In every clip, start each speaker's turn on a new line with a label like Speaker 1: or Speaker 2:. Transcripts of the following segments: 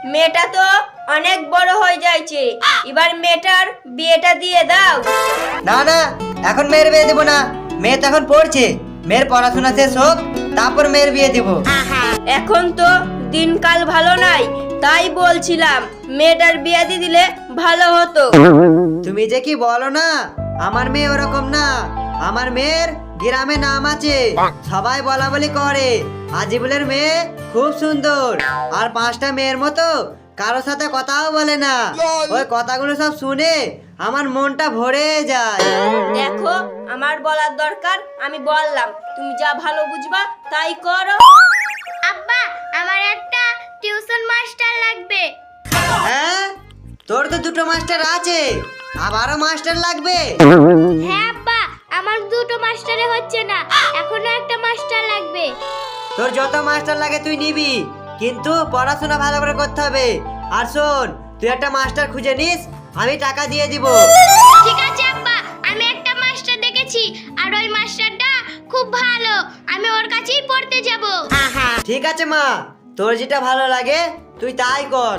Speaker 1: মেয়েটা তো অনেক বড় হয়ে যাচ্ছে, এবার মেয়েটার বিয়েটা দিয়ে দাও।
Speaker 2: না না, এখন মেয়ের বিয়ে দেবো না। মেয়ে তো এখন পড়ছে, মেয়ের পড়াশোনা শেষ হোক, তারপর মেয়ের বিয়ে দেবো।
Speaker 1: এখন তো দিনকাল ভালো নাই, তাই বলছিলাম মেয়েটার বিয়ে দিয়ে দিলে ভালো হতো।
Speaker 2: তুমি যে কি বলো না, আমার মেয়ে ওরকম না। আমার মেয়ের গ্রামে নাম আছে, সবাই বলা বলি করে আজিবুলের মেয়ে খুব সুন্দর, আর 5টা মেয়ের মতো কারোর সাথে কথাও বলে না। ওই কথাগুলো সব শুনে আমার মনটা ভরে যায়।
Speaker 1: দেখো, আমার বলার দরকার আমি বললাম, তুমি যা ভালো বুঝবা তাই করো।
Speaker 3: আব্বা, আমার একটা টিউশন মাস্টার লাগবে।
Speaker 2: হ্যাঁ, তোর তো 2টো মাস্টার আছে, আবারও মাস্টার লাগবে?
Speaker 3: হ্যাঁ আব্বা, আমার 2টো মাস্টারে হচ্ছে না, এখনো একটা মাস্টার লাগবে।
Speaker 2: তোর যত মাস্টার লাগে তুই নিবি, কিন্তু পড়াশোনা ভালো করে করতে হবে। আর শোন, তুই একটা মাস্টার খুঁজে নিস, আমি টাকা দিয়ে দিব।
Speaker 3: ঠিক আছে আব্বা, আমি একটা মাস্টার দেখেছি, আর ওই মাস্টারটা খুব ভালো, আমি ওর কাছেই পড়তে যাব।
Speaker 2: ঠিক আছে মা, তোর যেটা ভালো লাগে তুই তাই কর।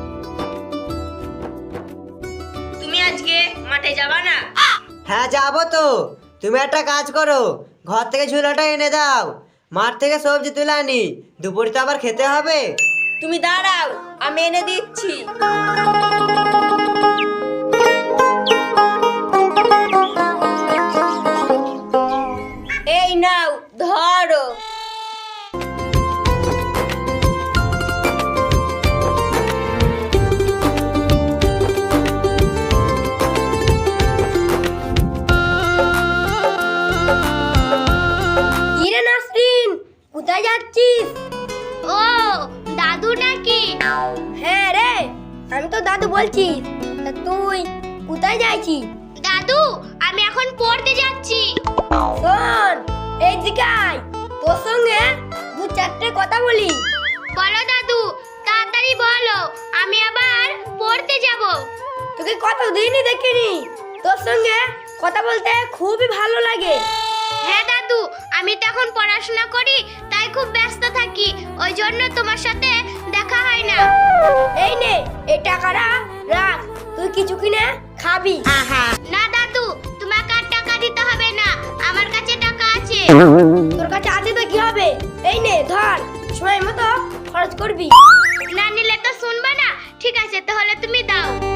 Speaker 1: তুমি আজকে মাঠে যাবা না?
Speaker 2: হ্যাঁ যাবো তো। তুমি একটা কাজ করো, ঘর থেকে ঝুলাটা এনে দাও, মাঠ থেকে সবজি তুলে আনি, দুপুরে তো আবার খেতে হবে।
Speaker 1: তুমি দাঁড়াও, আমি এনে দিচ্ছি। এই নাও, ধরো।
Speaker 3: ইরে নাসরিন, কোথায় যাচ্ছিস? ও, দাদু নাকি?
Speaker 4: হ্যাঁ রে, আমি তো দাদু বলছি। তা তুই কোথায় যাচ্ছিস?
Speaker 3: দাদু, আমি এখন পড়তে যাচ্ছি।
Speaker 4: শোন, এই দিকে আয়, তোর সঙ্গে 2-4টে কথা বলি।
Speaker 3: বলো দাদু, তাড়াতাড়ি বলো, আমি আবার পড়তে যাব।
Speaker 4: তোকে কতদিনই দেখিনি, তোর সঙ্গে কথা বলতে খুবই ভালো লাগে।
Speaker 3: হ্যাঁ দাদু, আমি তো এখন পড়াশোনা করি, তাই খুব ব্যস্ত থাকি, ওই জন্য তোমার সাথে দেখা হয় না।
Speaker 4: এই নে, এই টাকাটা রাখ, তুই কিছু কিনে খাবি।
Speaker 3: না দাদু, তোমাকে আর টাকা দিতে হবে না, আমার কাছে টাকা আছে।
Speaker 4: তোর কাছে আছে তো কি হবে, এই নে ধর, সময় মতো খরচ করবি।
Speaker 3: না নিলে তো শুনবে না। ঠিক আছে, তাহলে তুমি দাও।